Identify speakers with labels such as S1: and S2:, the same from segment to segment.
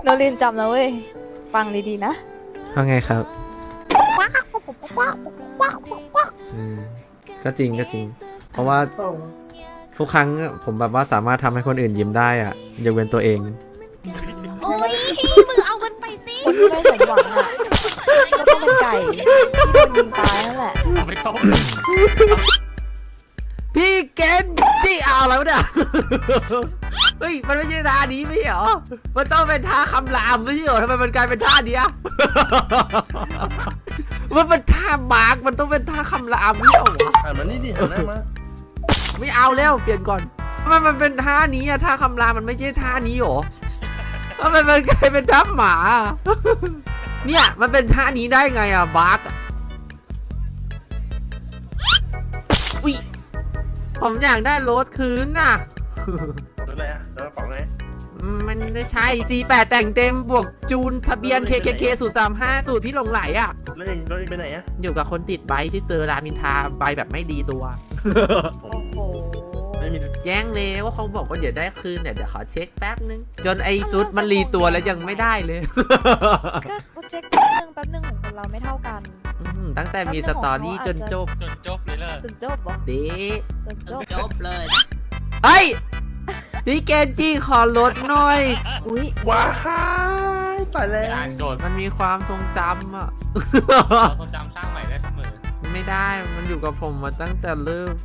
S1: โนรินจำนะเว้ยฟังดีๆนะ
S2: ว่าไงครับก็จริงก็จริง เพราะว่าทุกครั้งผมแบบว่าสามารถทำให้คนอื่นยิ้มได้อะยกเว้นตัวเอง
S3: โอ้ยมึงเอามันไปสิ
S1: คนที่ไม่สมหวังอ่ะก็ต้องเป็นไก่ที่โดนยิงตายนั่นแหละ
S4: เอาไม่ต้อง
S2: พี่เกนจี้เอาแล้วเนี่ย เฮ้ยมันไม่ใช่ท่านี้ไม่ใช่เหรอ มันต้องเป็นท่าคำรามไม่ใช่เหรอทำไมมันกลายเป็นท่าเนี้ย มันเป็นท่าบาร์กมันต้องเป็นท่าคำรามไม่เหรอวะ
S5: หันมานี่ดิหันหน้ามา
S2: ไม่เอาแล้วเปลี่ยนก่อนทำไมมันเป็นท่านี้อะท่าคำรามมันไม่ใช่ท่านี้หรอทำไมมันกลายเป็นท่าหมา เนี่ยมันเป็นท่านี้ได้ไงอะบาร์กอุ้ยผมอยากได้รถคืนน่ะ
S5: รถอะไรอะรถกระป๋องไง
S2: มันไม่ใช่ C8 แต่งเต็มบวกจูนทะเบียน KKK สูตร35สูตรพี่หลงไหลอ่ะ
S5: แล้วเองไปไหนอะ
S2: อยู่กับคนติดใบที่เซอร์รามินทาใบแบบไม่ดีตัว
S1: โอ้โห
S5: ไม่มี
S2: แจ้งเลยว่าเขาบอกว่าเดี๋ยวได้คืนเนี่ยเดี๋ยวขอเช็คแป๊บนึง จนไอซุดมันรีตัวแล้วยังไม่ได้เลย
S1: ก็เช็คแป๊บนึงของคนเราไม่เท่ากัน
S2: ตั้งแต่มีสตอรี่จนจบ
S4: จนจบเลยเลย
S1: จนจบเหรอ
S2: เด้
S1: จนจบ
S4: จบเลย
S2: เฮ้ยพี่เกนจี้ขอลดหน่อย
S1: อุ้ย
S5: ว้ายตายแล้ว
S4: อ่านโจทย์
S2: มันมีความทรงจำอ่ะ
S4: เราต้องจำสร้างใหม่ได้เสมอ
S2: ไม่ได้ มันอยู่กับผมมาตั้งแต่เริ่ม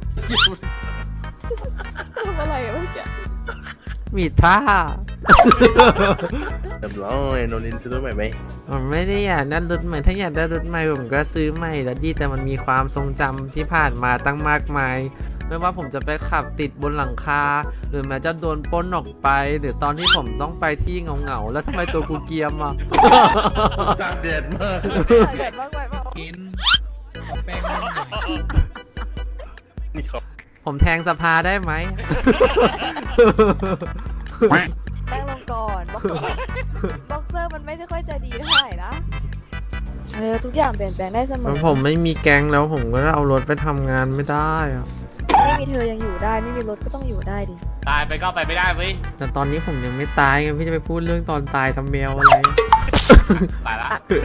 S1: ทำอะไรอะเมื่อกี้
S2: มีท่า
S5: เรียบร้อยโนรินซื้อรถใหม่ไหม
S2: ผมไม่ได้อยากได้รถใหม่ ถ้าอยากได้รถใหม่ผมก็ซื้อใหม่แล้วดี แต่มันมีความทรงจำที่ผ่านมาตั้งมากมาย ไม่ว่าผมจะไปขับติดบนหลังคา หรือแม้จะโดนปล้นออกไป หรือตอนที่ผมต้องไปที่เหงาๆ แล้วทำไมตัวกูเกรียมอ่ะ
S5: ตากแดดมาก
S1: เกิดมากไปเปล่า
S4: กินแป้ง
S5: นี่เขา
S2: ผมแทงสภาได้ไหม
S1: แป้งลงก่อนบ็อกเซอร์มันไม่ได้ค่อยจะดีเท่าไหร่นะทุกอย่างเปลี่ยนแปลงได้เสมอ
S2: ผมไม่มีแก๊งแล้วผมก็เอารถไปทำงานไม่ได้อะ
S1: ไม่มีเธอยังอยู่ได้ไม่มีรถก็ต้องอยู่ได้ดิ
S4: ตายไปก็ไปไม่ได้เว้ย
S2: แต่ตอนนี้ผมยังไม่ตายไงพี่จะไปพูดเรื่องตอนตายทำแมวอะไร
S4: ตายละ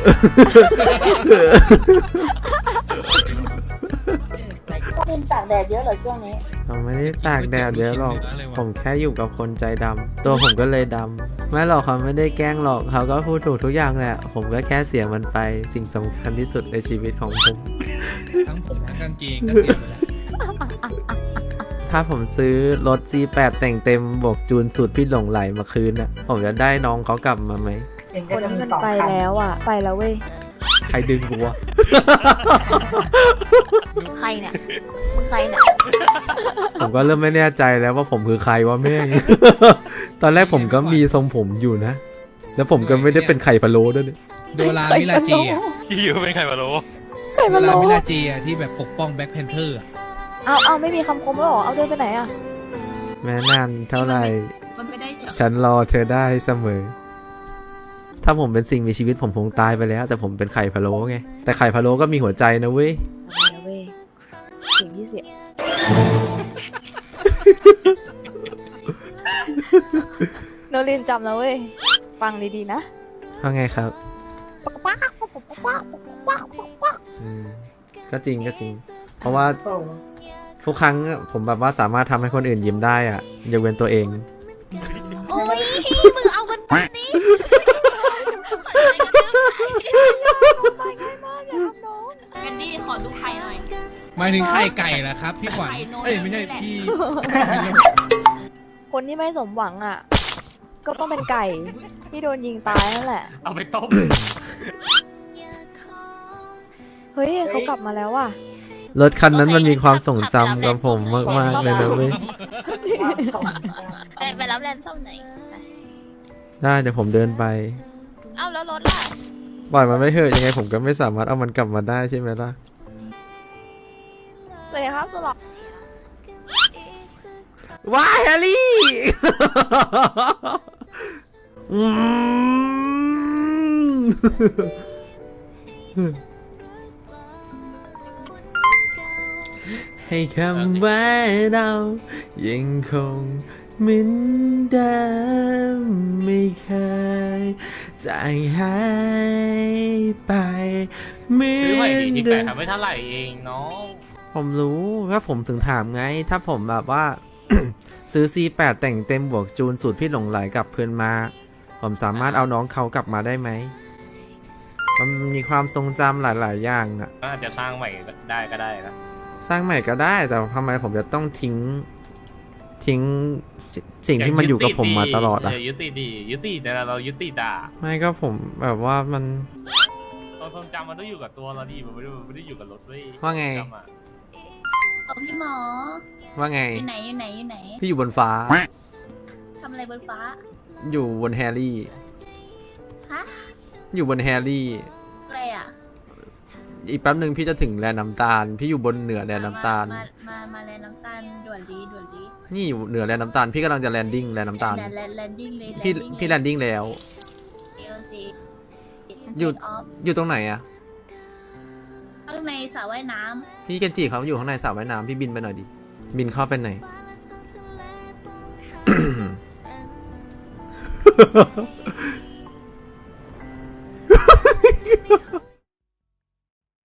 S6: กินตากแดดเยอะเหรอช่วงนี้
S2: ผมไม่ได้ตากแดดเยอะหรอก ผมแค่อยู่กับคนใจดำ ตัวผมก็เลยดำ ไม่หรอกเขาไม่ได้แกล้งหรอก เขาก็พูดถูกทุกอย่างแหละ ผมก็แค่เสียมันไป สิ่งสำคัญที่สุดในชีวิตของผม
S7: ทั้งผมทั้งกางเกงก็เสียไปแล้ว
S2: ถ้าผมซื้อรถ C8 แต่งเต็มบวกจูนสูตรพี่หลงไหลมาคืนน่ะ ผมจะได้น้องเขากลับมาไหม
S1: คนที่มันไปแล้วอ่ะไปแล้วเว้ย
S2: ใครดึงกูวะ
S3: ใครเนี่ยมึงใครเนี่ย
S2: ผมก็เริ่มไม่แน่ใจแล้วว่าผมคือใครวะแม่ง ตอนแรกผมก็มีทรงผมอยู่นะ แล้วผมก็ไม่ได้เป็นไข่พะโล้ด้วยนี่
S7: โดรามิลาจีอ่ะ
S4: พี่อยู่เป็นใครมารู้
S1: ใคร
S7: โด
S1: มา
S7: รา
S1: ล้อ
S7: มิลาจีอ่ะที่แบบปกป้องแบ็คแพนเทอร์
S1: เอาไม่มีคำคมแล้วเหรอเอาเดินไปไหนอ่ะ
S2: แม้นานเท่าไหร่
S3: มันไม่ได้ช็อต ฉั
S2: ฉันรอเธอได้เสมอ ถ้าผมเป็นสิ่งมีชีวิตผมคงตายไปแล้ว แต่ผมเป็นไข่พะโล้ไง แต่ไข่พะโล้ก็มีหัวใจนะเว้ย
S1: อะไรนะเว้ยสิ่งที่เสียโนรินจำนะเว้ยฟังดีๆนะ
S2: ว่าไงครับก็จริงก็จริง เพราะว่าทุกครั้งผมแบบว่าสามารถทำให้คนอื่นยิ้มได้อะยกเว้นตัวเอง
S3: โอ้ยมึงเอามันไปสิ
S1: ตายง่ายมากอย่าทำน้อง
S3: แคนดี้ขอดูไข่หน่อย
S7: หมายถึงไข่ไก่เหรอครับ พี่ขวัญ
S3: ไข่โน
S7: เอ้ยไม่ใช่
S3: นี่แหละ
S7: พี่
S1: คนที่ไม่สมหวังอ่ะ ก็ต้องเป็นไก่ที่โดนยิงตายนั่นแหละ
S4: เอาไปต้ม
S1: เฮ้ยเขากลับมาแล้วว่ะ
S2: รถคันนั้นมันมีความทรงจำกับผมมากๆเลยนะเว้ย
S3: ไปรับแลนด์ส้มไหนอย
S2: ได้เดี๋ยวผมเดินไป
S3: เอ้าแล้วรถล่ะ
S2: ปล่อยมันไม่เถอะยังไงผมก็ไม่สามารถเอามันกลับมาได้ใช่ไหมล่ะ
S1: สวัสดีครับสุหลอ
S2: ว้ายแฮร์รี่ อืมให้คำว่าเรายังคงเหมือนเดิมไม่เคยจางหายไปเหมื
S4: ซื้อใหม่
S2: อน
S4: ดีที่
S2: เดิ
S4: แปด
S2: ม
S4: ทำไม่เท่าไหร่เองน้อง
S2: ผมรู้ก็ผมถึงถามไง ถ้าผมแบบว่า ซื้อ C8 แต่งเต็มบวกจูนสูตรพี่หลงไหลกลับเพื่อนมา ผมสามารถเอาน้องเขากลับมาได้ไหม มันมีความทรงจำหลาย ๆ อย่างอะ
S4: ก็อาจจะสร้างใหม่ได้ก็ได้นะ
S2: สร้างใหม่ก็ได้ แต่ทำไมผมจะต้องทิ้งสิ่งที่มันอยู่กับผมมาตลอดอะ
S4: ยุติดียุติแต่เรายุติด่า
S2: ไม่ก็ผมแบบว่ามัน
S4: ความทรงจำมันต้องอยู่กับตัวเราดิมันไม่ได้อยู่กับรถเว้ย
S2: ว่าไง
S4: จำอะ
S3: เอาพี่หมอ
S2: ว่าไง
S3: อยู่ไหนอยู่ไหนอยู่ไหน
S2: พี่อยู่บนฟ้า
S3: ทำอะไรบนฟ้า
S2: อยู่บนแฮร์รี่
S3: ฮะ
S2: อยู่บนแฮร์รี่
S3: อะไรอ่ะ
S2: อีกแป๊บหนึ่งพี่จะถึงแลน้ำตาล พี่อยู่บนเหนือแลน้ำตาล
S3: มาแลนน้ำตาลด่วนดีด่วนดี
S2: นี่อยู่เหนือแลน้ำตาล พี่กำลังจะแลนดิ้งแลน้ำตาล
S3: แลนดิ้งเลย
S2: พี่แลนดิ้งแล้ว
S3: เอลซี
S2: อยู่
S3: ออฟ
S2: อยู่ตรงไหนอะ
S3: ข้างในสระว่ายน้
S2: พี่เกนจิเขาอยู่ข้างในสระว่ายน้ำพี่บินไปหน่อยดิ บินเข้าไปหน่อย
S3: ำ